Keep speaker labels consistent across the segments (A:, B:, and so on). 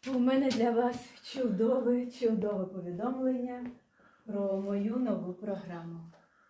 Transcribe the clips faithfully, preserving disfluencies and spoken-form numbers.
A: У мене для вас чудове, чудове повідомлення про мою нову програму.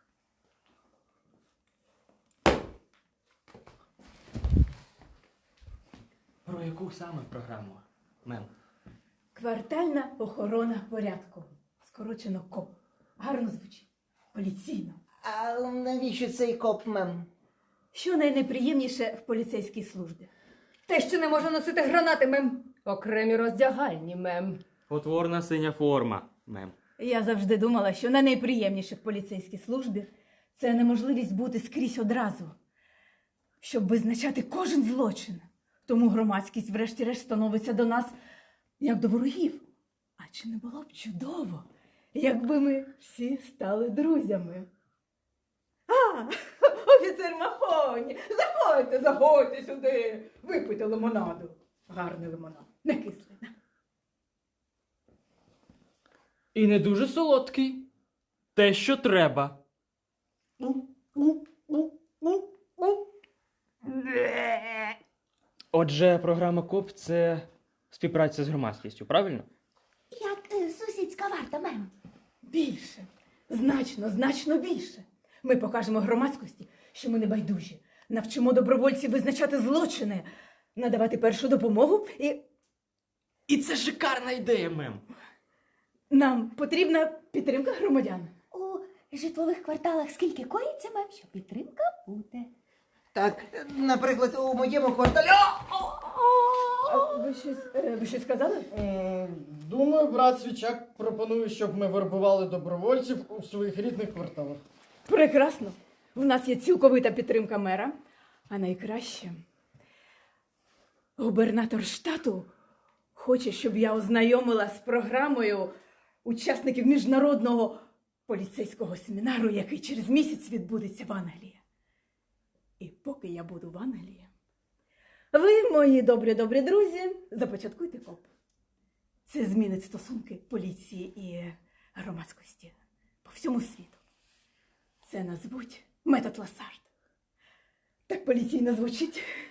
B: Про яку саме програму, мем?
A: Квартальна охорона порядку. Скорочено КОП. Гарно звучить. Поліційно.
C: А навіщо цей коп, мем?
A: Що найнеприємніше в поліцейській службі?
D: Те, що не може носити гранати, мем. Окремі роздягальні, мем.
B: Потворна синя форма, мем.
A: Я завжди думала, що найнеприємніше в поліцейській службі – це неможливість бути скрізь одразу, щоб визначати кожен злочин. Тому громадськість врешті-решт становиться до нас як до ворогів. А чи не було б чудово, якби ми всі стали друзями? А, офіцер Махоні, заходьте, заходьте сюди, випийте лимонаду. Гарний лимонад, не кислий.
B: І не дуже солодкий. Те, що треба. Отже, програма КОП – це співпраця з громадськістю, правильно?
C: Як е, сусідська варта, мем.
A: Більше, значно, значно більше. Ми покажемо громадськості, що ми не байдужі. Навчимо добровольців визначати злочини, надавати першу допомогу і
B: І це шикарна ідея, мем.
A: нам потрібна підтримка громадян.
E: У житлових кварталах скільки коїться, мем, що підтримка буде.
C: Так, наприклад, у моєму кварталі...
A: А ви щось, е, ви щось сказали?
F: М, Думаю, брат Свічак пропонує, щоб ми вербували добровольців у своїх рідних кварталах.
A: Прекрасно. В нас є цілковита підтримка мера. А найкраще, губернатор штату хоче, щоб я ознайомила з програмою учасників міжнародного поліцейського семінару, який через місяць відбудеться в Англії. І поки я буду в Англії, ви, мої добрі-добрі друзі, започаткуйте КОП. Це змінить стосунки поліції і громадськості по всьому світу. Це назвуть метод Ласард. Так поліційно звучить.